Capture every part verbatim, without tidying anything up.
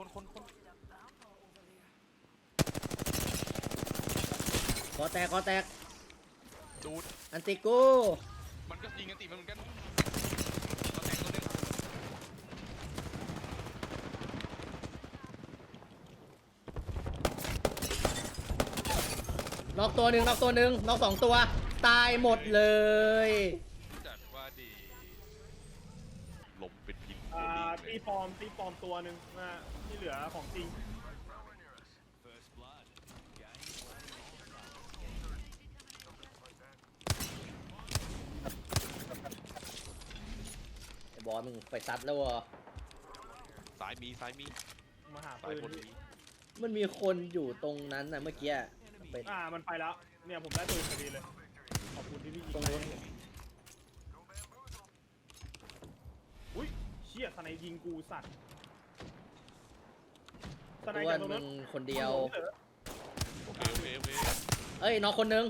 คนคนคนกอแตกกอแตกดูดอันติกูมันก็ยิงกันติมันเหมือนกันก็แตกตัวนึงน็อกตัวหนึ่งน็อกตัวหนึ่งน็อกสองตัวตายหมดเลยจัดว่าดีลมเป็นพิษอ่าตีปลอมตีปลอมตัวหนึ่งนะที่เหลือของจริงไอ้บอสมึงไปซัดแล้ววะซ้ายมีซ้ายมีมาหาซ้ายบปืนนมีมันมีคนอยู่ตรงนั้นนะเมื่อกี้เป็นอ่ามันไปแล้วเนี่ยผมได้ปืนพอดีเลยขอบคุณที่พี่ยิงตรงนู้นอุ้ยเชี่ยสไนยิงกูสัตว์สไนอ้วจากนตรงมึนั้นงคนเดียวโอเคโอเคโอเคเอ้ยน็อกคนหนึ่ง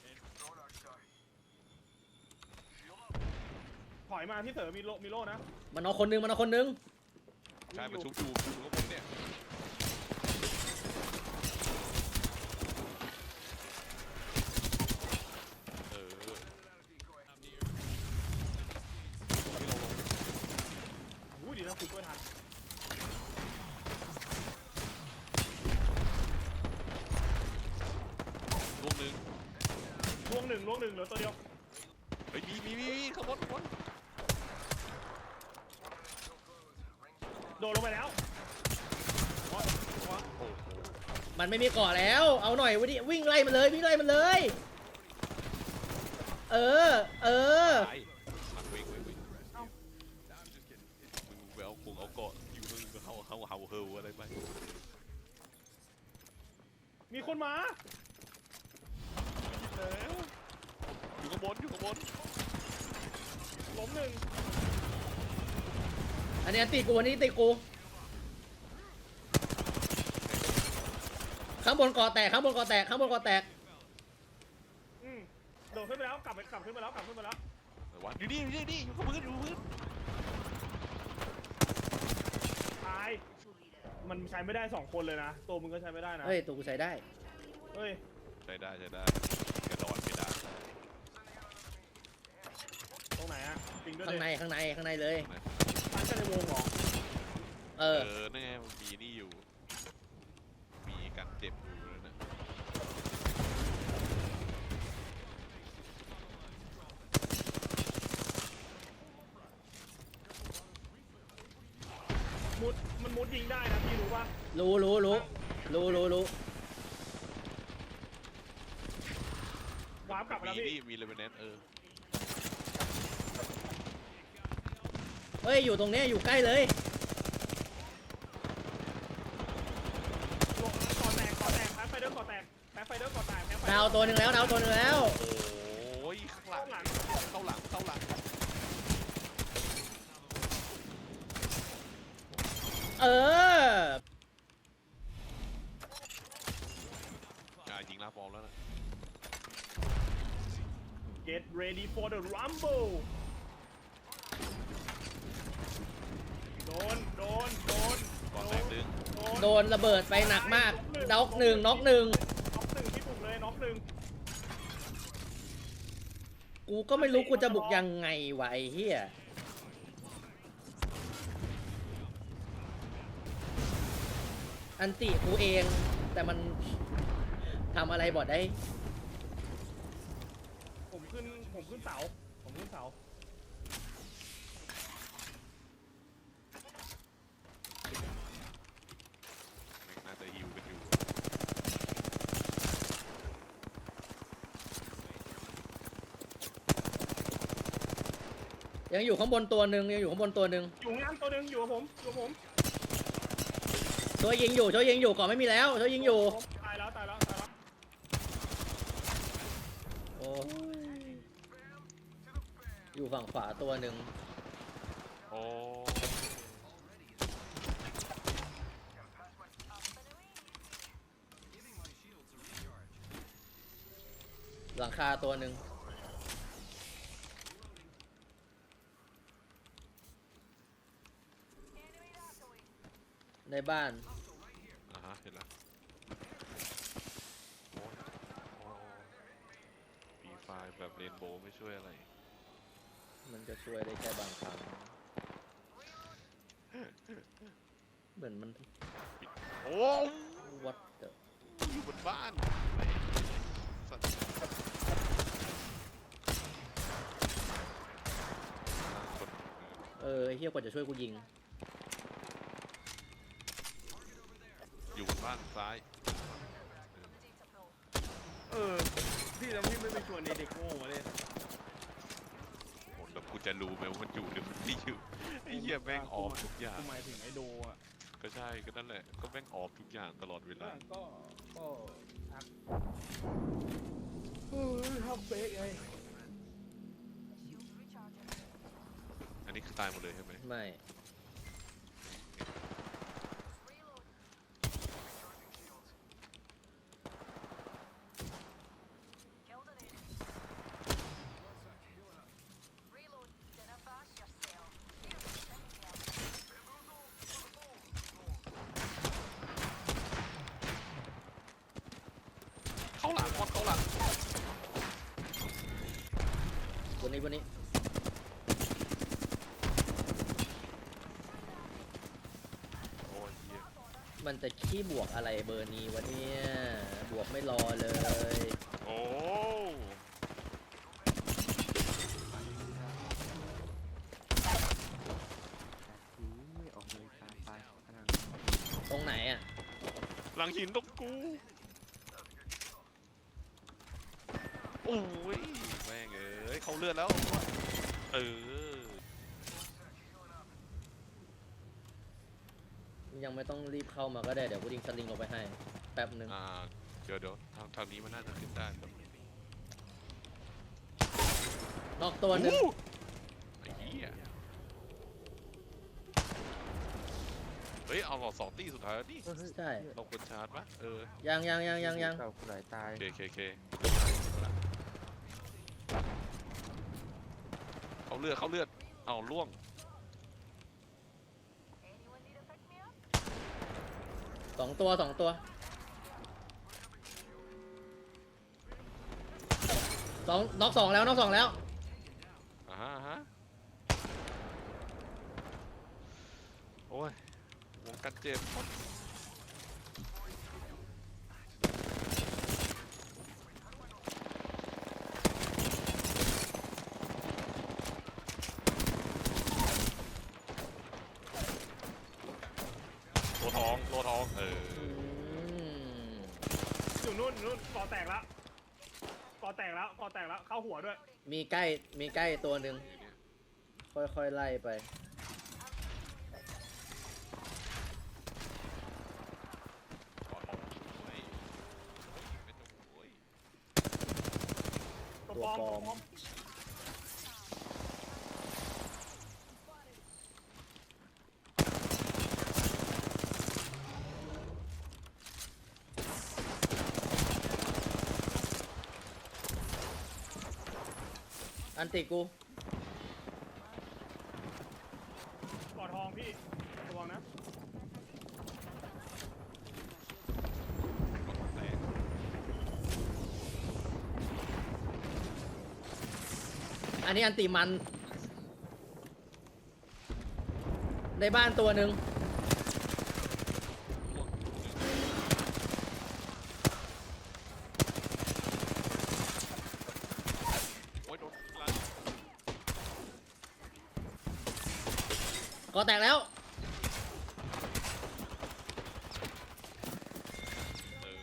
ถอยมาพี่เต๋อมีโลมีโลนะมันน็อกคนหนึ่งมันน็อกคนหนึ่งใช่มันชุบอยู่ชุบกับผมเนี่ยเออไม่ลงลงอุ้ยดีนะคุณช่วยทันลูกหนึ่งล่วงหนึ่งล่วงหนึ่งเหลือตัวเดียวเฮ้ยมีมีมีมีขบวนขบวนโดดลงไปแล้วโอ้ยโอ้ยโอ้โหมันไม่มีเกาะแล้วเอาหน่อยวันนี้วิ่งไล่มันเลยวิ่งไล่มันเลย เออเออตายมาเว้งเว้งเว้งมึงไปเอาคงเอาเกาะอยู่มึงเขาเขาเห่าเฮลอะไรไปมีคนมาแล้วอยู่ข้างบนอยู่ข้างบนล้มหนึ่งอันนี้ตีกูอันนี้ตีกูข้างบนเกาะแตกข้างบนเกาะแตกข้างบนเกาะแตกอืมโดดขึ้นไปแล้วกลับไปกลับขึ้นไปแล้วกลับขึ้นไปแล้วแต่ว่าอยู่นี่อยู่นี่อยู่นี่อยู่กับพื้นอยู่กับพื้นตายมันใช้ไม่ได้สองคนเลยนะตัวมึงก็ใช้ไม่ได้นะเฮ้ยตัวกูใช้ได้เฮ้ยใช้ได้ใช้ได้กระโดดไม่ได้ตรงไหนอะปิงด้วยข้างในข้างในข้างในเลยตั้งกันในวงเหรอเอเอออนั่นไงมันมีนี่อยู่มีการเจ็บอยู่แล้วนะมุดมันมุดยิงได้นะพี่รู้ป่ะรู้รู้รู้รู้รู้รู้วาร์ปกลับมามีแล้วพี่นี่มีเลเวนแนนเออเฮ้ยอยู่ตรงเนี้ยอยู่ใกล้เลยลงก่อแตกก่อแตกแพ้ไฟเดอร์ก่อแตกแพ้ไฟเดอร์ก่อแตกแพ้ไฟดาวตัวหนึ่งแล้วดาวตัวหนึ่งแล้วโอ้ยข้างหลังเข้าหลังเข้าหลังเอออ่ายิงลาฟอร์มแล้วนะ Get ready for the rumble โดนโดนโดนก่อนแตกดึงโดนระเบิดไปหนักมากน็อกหนึ่งน็อกหนึ่งน็อกหนึ่งที่ถูกเลยน็อกหนึ่งกูก็ไม่รู้กูจะบุกยังไงวะไอ้เหี้ยอันติกูเองแต่มันทำอะไรบอดได้ผมขึ้นผมขึ้นเสาผมขึ้นเสาน่าจะฮิวกันอยู่ยังอยู่ข้างบนตัวหนึ่งยังอยู่ข้างบนตัวหนึ่งอยู่งานตัวหนึ่งอยู่กับผมอยู่กับผมช่วยยิงอยู่ช่วยยิงอยู่ก่อนไม่มีแล้วช่วยยิงอยู่ตายแล้วตายแล้วตายแล้วโอ้ยอยู่ฝั่งขวาตัวหนึ่งโอ้หลังคาตัวหนึ่งในในบ้านอ่าฮะเห็นแล้วโอ้ยโอ้ปีไฟแบบเรนโบว์ไม่ช่วยอะไรมันจะช่วยได้แค่บางครั้งเหมือนมันโอ้วัดเดอยู่บนบ้านไอ้สัตว์คนเออไอ้เฮียกว่าจะช่วยกูยิงอยู่บนบ้านซ้ายเออพี่แล้วพี่ไม่ไปชวนในเด็กโง่มาเลยโอ้แล้วกูจะรู้ไหมว่ามันอยู่หรือมันไม่อยู่ไอ้เหี้ยแม่งออฟทุกอย่างหมายถึงไอโดอ่ะก็ใช่ก็นั่นแหละก็แม่งออฟทุกอย่างตลอดเวลาก็ก็ทักเออทำเฟกไงอันนี้คือตายหมดเลยใช่ไหมไม่เข้าหลังบอลเข้าหลังบนนี้บนนี้โอ้ยเหี้ยมันจะขี้บวกอะไรเบอร์นี้วะเนี่ย บวกไม่รอเลยโอ้ออกเลยตายไปพลังตรงไหนอ่ะหลังหินตรงกูโอ้ยแม่งเอ้ยเขาเลือดแล้วเออยังไม่ต้องรีบเข้ามาก็ได้ เดี๋ยวกูยิงสลิงออกไปให้ แป๊บหนึ่งอ่าเดี๋ยวเดี๋ยวทางทางนี้มันน่าจะขึ้นได้แบบนอกตัวหนึ่งโอ้ไอ้เหี้ยเฮ้ยเอาหลอดสองตีสุดท้ายแล้วนี่ใช่เราควรชาร์จปะเออยังยังยังยังยังเก่าไหลตายเคเคเคเขาเลือดเขาเลือดเอาล่วงสองตัวสองตัวสองน็อกสองแล้วน็อกสองแล้วอ่าฮะอ่าฮะโอ้ยวงการเจ็บโลทองโลทองเอออืมอยู่นู่นนู่นก่อแตกแล้วก่อแตกแล้วก่อแตกแล้วเข้าหัวด้วยมีใกล้มีใกล้ตัวหนึ่งเนี่ยค่อยๆไล่ไปขอทองเฮ้ยไม่ต้องโอ้ยตัวตัวปลอมปลอตัวมปลอมอันติกูก่อทองพี่ระวังนะแตกอันนี้อันติมัน ในบ้านตัวหนึ่งโอ้ยโดนลันก็แตกแล้วเออ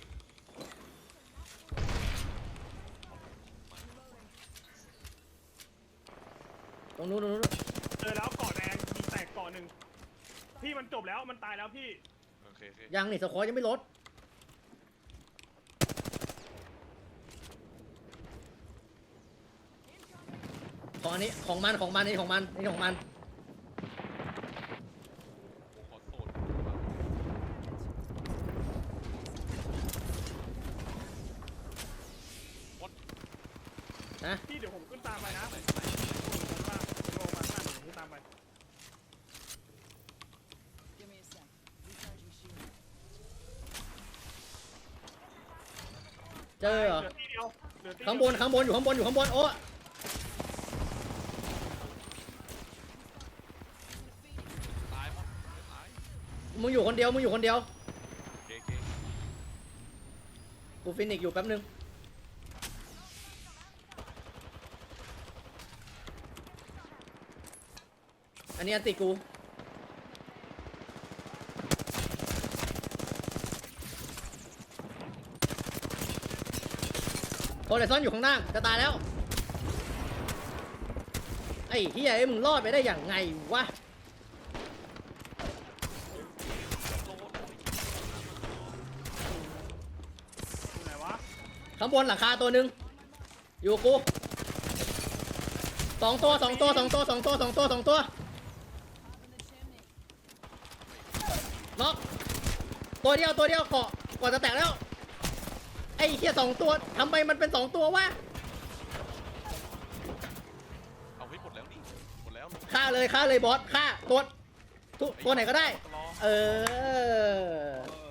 ตรงนู้นตรงนู้นเจอแล้วก่อแดงยิงแตกก่อหนึ่งพี่มันจบแล้วมันตายแล้วพี่โอเคโอเคยังนี่สควอตยังไม่ลด ของอันนี้ของมันของมันนี่ของมันนี่ของมันผมขอโทษ What นะพี่เดี๋ยวผมขึ้นตามไปนะผมลงมาลงมาข้างหน้าเดี๋ยวผมขึ้นตามไป Give me a sec. เจอเหรอเหลือที่เดียวเหลือที่ข้างบนข้างบนอยู่ข้างบนอยู่ข้างบนโอ้ตายมั้งตายมึงอยู่คนเดียวมึงอยู่คนเดียวโอเคโอเคกูฟินิกอยู่แป๊บนึงอันนี้อันติกูโฮเลซอนอยู่ข้างล่างจะตายแล้วไอ้เฮียไอ้มึงรอดไปได้อย่างไงวะอยู่ไหนวะข้างบนหลังคาตัวหนึ่งอยู่กูสองตัวสองตัวสองตัวสองตัวสองตัวสองตัวน็อกตัวเดียวตัวเดียวเกาะก่อนจะแตกแล้วไอ้เหี้ยสองตัวทำไมมันเป็นสองตัววะเอาไว้หมดแล้วนี่หมดแล้วฆ่าเลยฆ่าเลยบอสฆ่าตัวตัวตัวไหนก็ได้รอเออเออ